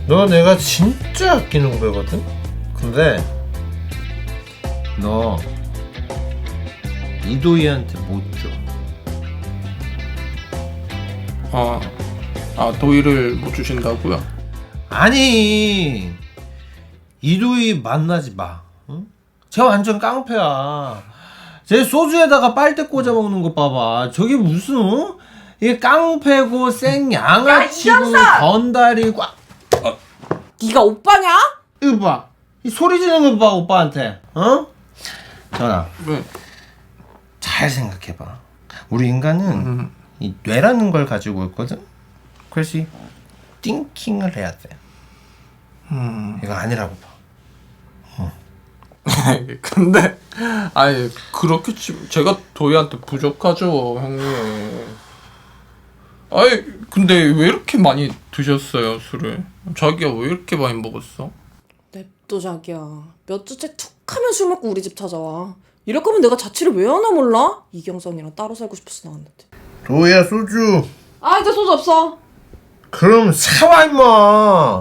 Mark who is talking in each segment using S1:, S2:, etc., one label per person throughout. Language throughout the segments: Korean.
S1: 너 내가 진짜 아끼는 후배거든? 근데 너 이도희한테 못 줘.
S2: 도희를 못 주신다고요?
S1: 아니, 이도희 만나지 마. 응? 쟤 완전 깡패야. 쟤 소주에다가 빨대 꽂아 먹는 거 봐봐. 저게 무슨 이게 깡패고 생양아치고 건달이고.
S3: 네가 오빠냐?
S1: 이거 봐. 이 소리 지르는 거 봐, 오빠한테. 어? 전화.
S2: 왜?
S1: 잘 생각해봐. 우리 인간은 이 뇌라는 걸 가지고 있거든. 그래서 이 띵킹을 해야 돼. 이거 아니라고 봐.
S2: 근데 아니 그렇게 제가 도희한테 부족하죠, 형님. 아니 근데 왜 이렇게 많이 드셨어요, 술을? 자기야 왜 이렇게 많이 먹었어?
S3: 냅둬 자기야. 몇 주째 툭 하면 술 먹고 우리 집 찾아와. 이럴 거면 내가 자취를 왜 하나 몰라? 이경선이랑 따로 살고 싶어서 나왔는데.
S1: 도희야, 소주.
S3: 아 이제 소주 없어.
S1: 그럼 사와, 임마.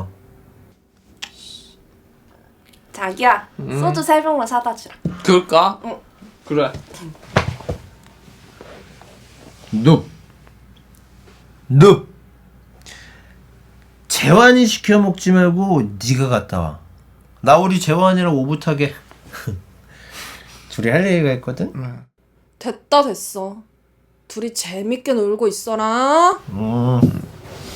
S3: 자기야 소주 3병만 사다 주라.
S2: 그럴까?
S3: 응.
S2: 그래.
S1: 눕. 재환이 시켜 먹지 말고 네가 갔다 와. 나 우리 재환이랑 오붓하게 둘이 할 얘기가 있거든.
S3: 됐다 됐어. 둘이 재밌게 놀고 있어라.